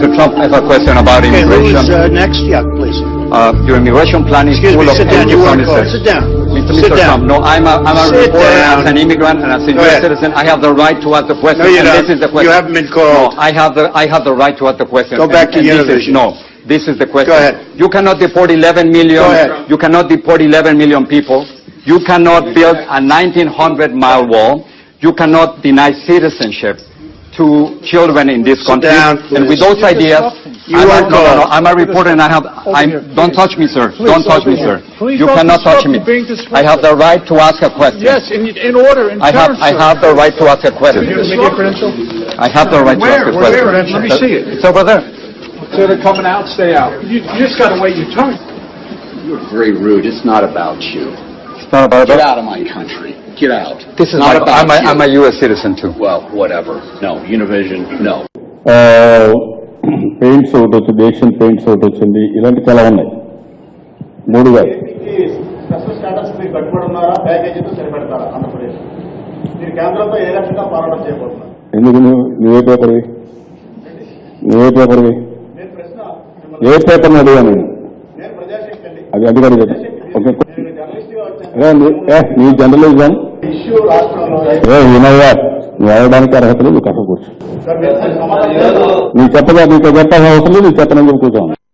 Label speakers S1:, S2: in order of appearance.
S1: Mr. Trump, I have a question about
S2: Okay,
S1: immigration.
S2: who's next? Yeah, please.
S1: Your immigration plan is
S2: Excuse
S1: full
S2: me,
S1: of
S2: sit down. You want to call?
S1: anti-promises.
S2: Sit down.
S1: Mr.
S2: Sit
S1: Trump,
S2: down.
S1: no, I'm a
S2: Sit
S1: reporter
S2: down.
S1: as an immigrant and as a
S2: Go
S1: U.S.
S2: ahead.
S1: citizen. I have the right to ask the question.
S2: No, you
S1: and
S2: don't.
S1: This is the question.
S2: You haven't been
S1: No,
S2: called.
S1: I have the right to ask the question.
S2: Go back to
S1: And this is-
S2: Univision.
S1: No, this is the question.
S2: Go ahead.
S1: You cannot deport 11 million.
S2: Go ahead.
S1: You cannot deport 11 million people. You cannot build a 1,900-mile wall. You cannot deny citizenship to children in this
S2: Sit
S1: country.
S2: down,
S1: And with
S2: please.
S1: those ideas,
S2: You are called.
S1: I'm a reporter and don't touch me, sir. Don't touch me, sir. You cannot touch me. I have the right to ask a question.
S3: Yes, in order, in
S1: I have the right to ask a question. I have the right to ask a question.
S3: Where? Let me see it.
S1: It's over there.
S3: So they're coming out, stay out. You just gotta wait your turn.
S4: You're very rude. It's not about you.
S1: It's not about
S4: Get
S1: that.
S4: out of my country. Get out.
S1: This is
S4: not about you.
S1: I'm a U.S. citizen too.
S4: Well, whatever. No, Univision, no.
S5: Paints ఒకటి వచ్చింది, Asian paints ఒకటి వచ్చింది, ఇలాంటి చాలా ఉన్నాయి. 3 కాదు.
S6: Special status మీరు కట్టుబడి ఉన్నారా, ప్యాకేజీతో సరిపెడతారా ఆంధ్రప్రదేశ్? మీరు కేంద్రంతో ఏ లక్ష్యంగా పోరాటం చేయబోతున్నారు?
S5: ఎందుకు నువ్వే పేపర్వి?
S6: నేను ప్రశ్న
S5: ఏ పేపర్ని అడిగాను నేను?
S6: నేను ప్రజాశక్తి అండి.
S5: అది కూడా చెప్పు. ఓకే,
S6: నేను జర్నలిస్ట్ గా వచ్చాను.
S5: నీ జర్నలిజం
S6: ఇష్యూ రాష్ట్రంలో
S5: వినయ్యా, నువ్వు అడగడానికి అర్హత లేదు, నువ్వు కట్టకూడదు.
S6: సార్, మీరు సమాధానం
S5: నీకు చెప్పాల్సిన అవసరం లేదు, నీకు చెప్పనని చెప్పి కూర్చోను.